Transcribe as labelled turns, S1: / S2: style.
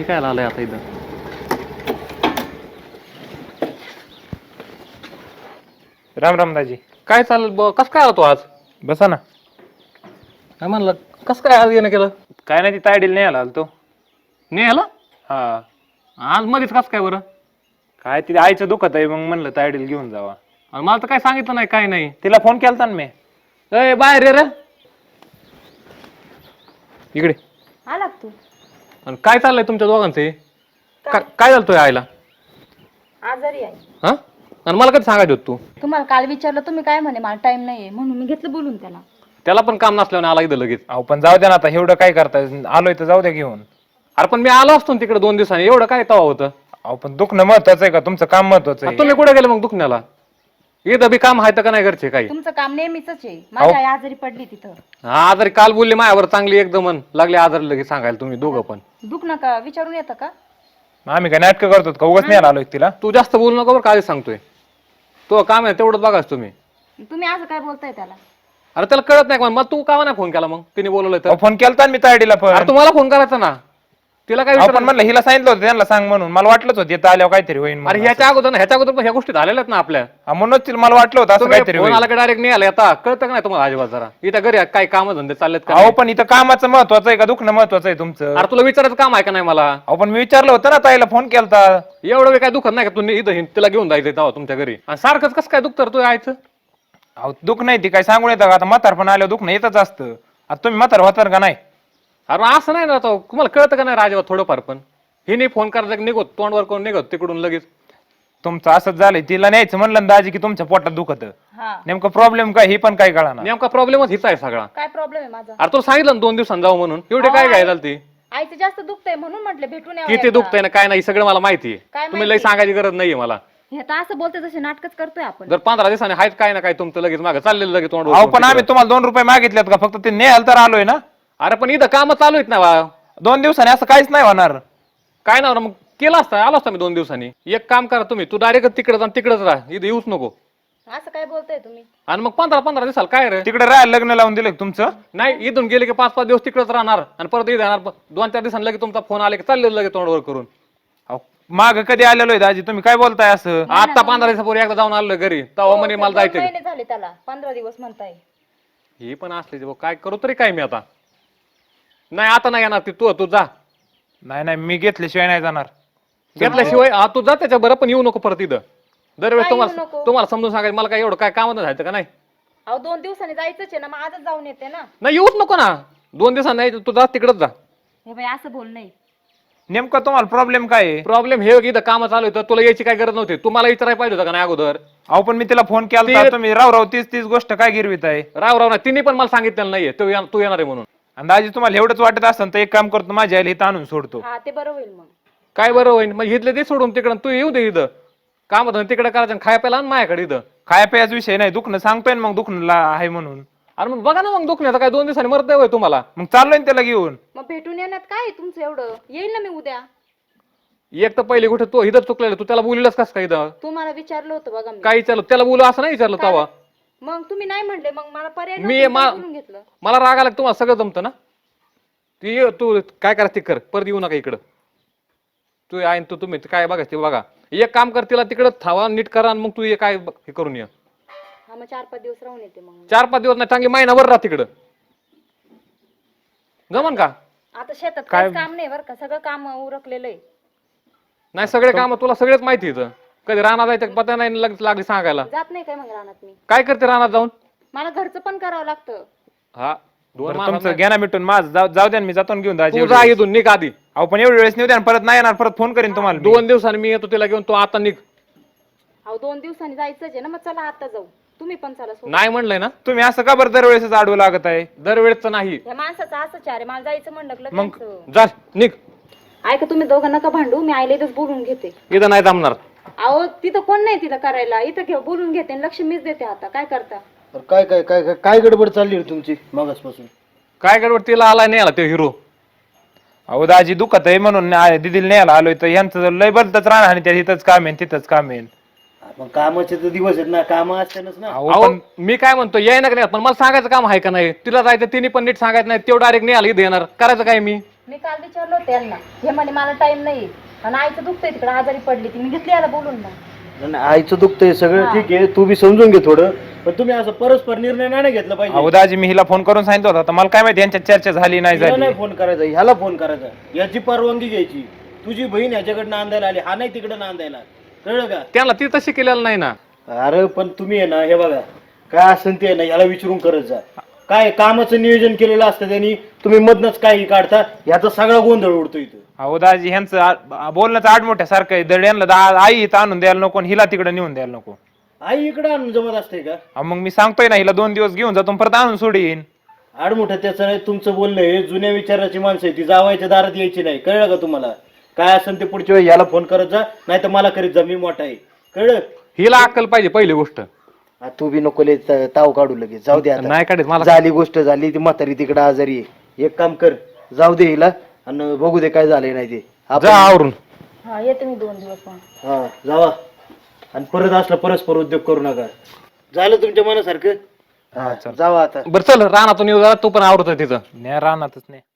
S1: हे काय आलंय आता इथं?
S2: राम राम दाजी.
S1: काय चालेल कस काय आला तू आज?
S2: बसा ना.
S1: काय म्हणलं कस काय आज येणं केलं?
S2: काय नाही ती तायडील नाही आला तो.
S1: नाही आला
S2: हा
S1: आज मध्येच कस काय बरं?
S2: काय तिथे आईचं दुखत आहे मग म्हणलं तायडील घेऊन जावा.
S1: आणि मला तर काय सांगितलं नाही काय नाही.
S2: तिला फोन केलता ना मी.
S1: ए बाहेर ये रे इकडे.
S3: आला तू
S1: आणि काय चाललंय तुमच्या दोघांचे? काय झालं तुझ्या आईला?
S3: आजारी आहे.
S1: हा आणि मला कधी सांगायचं होतं तू?
S3: तुम्हाला काल विचारलं तुम्ही काय म्हणे मला टाइम नाहीये म्हणून मी घेतलं बोलून त्याला.
S1: त्याला पण काम नसल्याने आला इथं लगेच.
S2: अहो पण जाऊ द्या ना आता एवढं काय करताय आलोय तर जाऊ द्या घेऊन.
S1: अरे पण मी आलो असतो तिकडे 2 दिवसांनी एवढं काय तवा होतं?
S2: अहो पण दुखणं महत्वाचं आहे का तुमचं काम महत्वाचं आहे?
S1: तुम्ही कुठे गेले मग दुखण्याला? इथं बी काम आहे का नाही घरचे काही?
S3: तुमचं काम नेहमीच आहे. माझी आई आजारी पडली तिथं.
S1: हा आजारी काल बोलली माझ्यावर चांगली एकदम लागले आजारी लगेच सांगायला तुम्ही दोघं पण.
S3: दुख नका विचारून येतं का?
S2: आम्ही काय नाटकं करतो का? उगाच नाही आलोय तिला.
S1: तू जास्त बोलू नको बरं काय सांगतोय. तो काम आहे तेवढंच बघाच तुम्ही.
S3: तुम्ही असं काय बोलताय त्याला?
S1: अरे त्याला कळत नाही का मग तू का नाही फोन केला मग तिने बोलवलं तर?
S2: फोन केलता ना मी तायडीला
S1: अरे
S2: पण.
S1: तुम्हाला फोन करायचा ना तिला काय
S2: आपण म्हणलं हिला सांगितलं होतं त्यांना सांग म्हणून मला वाटलंच होतं येतं आल्यावर काहीतरी होईल
S1: अरे
S2: म्हणून.
S1: ह्याच्या अगोदर पण ह्या गोष्टी झालेल्या आहेत ना आपल्या.
S2: म्हणूनच तिला मला वाटलं होतं असं काहीतरी
S1: फोन
S2: होईल.
S1: आला की डायरेक्ट नाही आला आता कळतं का नाही तुम्हाला अजिबात जरा? इथं घरी काय काम धंदे चाललेत का?
S2: अहो पण इथं कामाचं महत्वाचं आहे का दुखणं महत्वाचं आहे तुमचं?
S1: अरे तुला विचारायचं काम आहे का नाही मला?
S2: अहो पण मी विचारलं होतं ना ताईला फोन केलता.
S1: एवढं वेळ काय दुखत नाही का तुम्ही इथं तिला घेऊन जायचं तेव्हा तुमच्या घरी आणि सारखंच कसं काय दुखतं रे तू यायचं?
S2: अहो दुख नाही ती काय सांगून येतं का? आता म्हातार पण आल्यावर दुखणं येतच असतं. आता तुम्ही म्हातार होतार का नाही?
S1: अरे असं नाही ना आता तुम्हाला कळतं का नाही राजेवा थोडंफार पण? हे नाही फोन करायचं निघत तोंडवर कोण निघत तिकडून लगेच.
S2: तुमचं असंच झालंय तिला न्यायचं म्हणलं ना दाजी की तुमच्या पोटात दुखत
S3: हा
S2: नेमकं प्रॉब्लेम काय हे पण काय कळणार.
S1: नेमका प्रॉब्लेमच हिचा आहे सगळा.
S3: काय प्रॉब्लेम आहे माझा?
S1: अरे तुला सांगितलं ना 2 दिवसांनी जाऊ म्हणून एवढे काय काय झालं ती?
S3: आईचं जास्त दुखतंय म्हणून म्हटलं भेटून यावं
S1: किती
S3: एकदा.
S1: दुखतंय ना काय नाही सगळं मला माहिती
S3: काय
S1: आहे. तुम्ही लई
S3: माहिती?
S1: सांगायची गरज नाहीये मला.
S3: हे तर असं बोलते जसे नाटकच करतोय आपण.
S1: जर 15 दिवसांनी आहेत काय ना काय तुमचं लगेच मागं चाललेलं लगेच तोंड
S2: अहो पण आम्ही तुम्हाला 2 रुपये मागितलेत का? फक्त ते न्यायला तर आलोय ना.
S1: अरे पण इथं काम चालू आहेत ना बा.
S2: 2 दिवसांनी असं काहीच नाही होणार.
S1: काय ना मग केलं असतं आलो असता मी 2 दिवसांनी. एक काम करा तुम्ही तू डायरेक्ट तिकडे जा तिकडेच राहा इथं येऊच नको.
S3: असं काय बोलताय तुम्ही?
S1: आणि मग 15 दिवसाला काय रे?
S2: तिकडे राहायला लग्न लावून दिलं का तुमचं?
S1: नाही इथून गेले की 5-5 दिवस तिकडेच राहणार आणि परत इथं येणार 2-4 दिवसांनी लगेच तुमचा फोन आले की चाललेलं लगेच तोंडवर करून.
S2: माग कधी आलेलो आहे दाजी तुम्ही काय बोलताय असं?
S1: आता 15 दिवसापूर्वी एकदा जाऊन आलोय घरी तेव्हा म्हणे मला
S3: 2
S1: जायचं.
S3: महिने झाले त्याला 15 दिवस म्हणताय.
S1: ही पण असले काय करू तरी काय मी आता? नाही आता नाही येणार ती तू जा.
S2: नाही नाही मी घेतल्याशिवाय नाही जाणार.
S1: घेतल्याशिवाय तू जा त्याच्या बरं पण येऊ नको परत इथं. दरवेळेस
S3: काय येऊ
S1: तुम्हाला
S3: नको?
S1: तुम्हाला समजून सांगायचं मला काय एवढं काय कामात जायचं का नाही?
S3: अहो 2 दिवसांनी जायचंच आहे ना मग आजच जाऊन येते ना.
S1: नाही येऊच नको ना 2 दिवसांनी नाही तू जा तिकडच जा.
S3: हे बाई असं बोल नाही.
S2: नेमका तुम्हाला प्रॉब्लेम काय आहे?
S1: प्रॉब्लेम हे इथं काम चालू होतं तुला यायची काय गरज नव्हती. तुम्हाला विचारायला पाहिजे होतं का नाही अगोदर?
S2: अहो पण मी तिला फोन केला तुम्ही राव तीच गोष्ट काय गिरवीत आहे.
S1: राव ना तिने पण मला सांगितलेलं नाहीये तू येणार आहे म्हणून.
S2: आणि दाजी तुम्हाला एवढंच वाटत असेल तर एक काम करतो माझ्या आईला इथं आणून सोडतो.
S3: हा ते बरं होईल मग.
S1: काय बरं होईल मग इथले ते सोडून तिकडं तू येऊ दे इथं. काम होतं तिकडे करायचं खाया प्यायला आणि माझ्याकडे इथं.
S2: खाया प्यायचा विषय नाही दुखणं सांगतोय ना मग दुखणं आहे म्हणून.
S1: अरे मग बघा ना मग दुखण्याचं काय 2 दिवसांनी मरत होय तुम्हाला.
S2: मग चाललोय ना त्याला घेऊन.
S3: मग भेटून येण्यात काय आहे तुमचं एवढं? येईल ना मी उद्या.
S1: एक तर पहिले कुठे तू इथं चुकलेलं तू त्याला बोललेस कस काय इथं?
S3: तुम्हाला विचारलं होतं बघा मी.
S1: काय विचारलं त्याला बोलू असं नाही विचारलं तेव्हा.
S3: मग तुम्ही नाही म्हणले मग मला पर्याय
S1: मी
S3: नव्हता,
S1: मा-
S3: बोलून घेतलं.
S1: मला राग आला की तुम्हाला सगळं जमतं ना. तू काय करायचं ते कर परत येऊ नका इकडं. तू आहे तू तुम्ही काय बघायचं ते बघा. एक काम कर तिला तिकडं थावा नीट करा आणि मग तू ये काय हे करून ये.
S3: हा मग 4-5 दिवस राहून येते मग.
S1: 4-5 दिवस नाही चांगली महिनाभर राहा तिकडं. जमन का?
S3: आता शेतात काहीच काम नाही बरं का सगळं काम उरकलेलं आहे.
S1: नाही सगळे काम तुला सगळेच माहिती इथं. कधी रानात जायचं पत्ता नाही लगेच लागली सांगायला.
S3: जात नाही काय मग रानात मी.
S1: काय करते रानात जाऊन?
S3: मला घरचं पण करावं लागतं.
S1: हा 2
S2: बरं,
S1: माणसं
S2: तुमचं घ्या ना मिटून माझं जाऊ द्या ना, मी जातो ना घेऊन दाजी.
S1: तू जा इथून निघ आधी.
S2: अहो पण एवढी वेळेस नेऊ द्या ना, परत नाही येणार परत फोन करीन तुम्हाला मी.
S1: 2 दिवसांनी मी येतो तिला घेऊन तू आता निघ.
S3: अहो 2 दिवसांनी जायचंच आहे ना मग चला आता जाऊ. तुम्ही पण चला सोबत.
S1: नाही म्हणलंय ना
S2: तुम्ही असं का बरं दरवेळेस आडवं लागत आहे?
S1: दरवेळेच नाही.
S3: या माणसाचं असंच आहे मला जायचं म्हणलं की
S2: मग-
S3: लगेच.
S1: जा निघ.
S3: ऐका तुम्ही दोघं नका भांडू मी आईला इथंच बोलून घेते.
S1: इथं नाही जमणार.
S3: अहो तिथं कोण नाही तिथं करायला इथं घेऊ बोलून घेते आणि लक्ष मीच देते आता काय करता.
S4: तर काय काय काय काय काय गडबड चालली रे तुमची मागासपासून?
S1: काय गडबड तिला आला नाही आला तो हिरो.
S2: अहो दाजी दुखत आहे म्हणून दिदीला न्यायला आलोय तर यांचं जर लय बदलतच राहणार आणि त्या इथंच काम आहे तिथंच काम आहे.
S4: आपण कामाचे तर दिवस आहेत ना काम असतानाच ना.
S2: अहो
S1: अहो
S2: पण
S1: मी काय म्हणतो याय ना का नाही पण मला सांगायचं काम आहे का नाही? तिला जायचं तिने पण नीट सांगायचं नाही तेवढं डायरेक्ट नाही आलं इथं येणार करायचं काय मी?
S3: मी काल विचारलं होतं यांना, हे म्हणे मला टाइम नाही आणि आईचं दुखतंय तिकडे आजारी पडली ती, मी घेतली याला बोलून ना.
S4: नाही, आईचं दुखतंय सगळं ठीक आहे, तू बी समजून घे थोडं, पण तुम्ही असं परस्पर निर्णय नाही घेतला पाहिजे.
S2: अहो दाजी मी हिला फोन करून सांगितलं होता तर मला काय माहिती यांच्यात चर्चा झाली नाही
S4: हिला
S2: झाली.
S4: नाही फोन करायचा, ह्याला फोन करायचा, याची परवानगी घ्यायची. तुझी बहीण ह्याच्याकडनं नांदायला आली, हा नाही तिकडे नांदायला, कळलं का?
S1: त्याला ती तशी केलेलं नाही ना.
S4: अरे पण तुम्ही आहे ना, हे बघा काय असेल ते आहे ना, ह्याला विचारून करत जा. काय कामाचं नियोजन केलेलं असतं त्यांनी, तुम्ही मधनच काही काढता, याचा सगळा गोंधळ उडतो इथं.
S2: अहो दाजी ह्यांचं बोलणंच आडमोठ्या सारखं आहे. दड यांना आई इथं आणून द्यायला नको आणि हिला तिकडे नेऊन द्यायला नको.
S4: आई इकडे आणून जमत असते का?
S2: अहो, मग मी सांगतोय ना हिला 2 दिवस घेऊन जातो परत आणून सोडीन.
S4: आडमोठं त्याचं नाही, तुमचं बोलणं हे जुन्या विचाराची माणसं आहे, ती जावायच्या दारात यायची नाही, कळलं का तुम्हाला? काय असेल ते पुढच्या वेळी याला फोन करत जा, नाही तर मला करीत जा, मी मोठा आहे, कळलं?
S1: हिला अक्कल पाहिजे पहिली गोष्ट.
S4: तू बी नको लय ताव काढू लगेच, जाऊ दे आता.
S1: नाही काढत मला.
S4: झाली गोष्ट झाली, ती म्हातारी तिकडे आजारी आहे. एक काम कर, जाऊ दे हिला आणि बघू दे काय झालंय नाही ते.
S1: जा आवरून.
S3: हा येते मी 2 दिवस मग.
S4: हा जावा, आणि परत असला परस्पर उद्योग करू नका. झालं तुमच्या मनासारखं? हा जावा आता.
S1: बरं चल रानातून येऊ जरा, तू पण आवडत तिथं.
S2: नाही राहणारच नाही.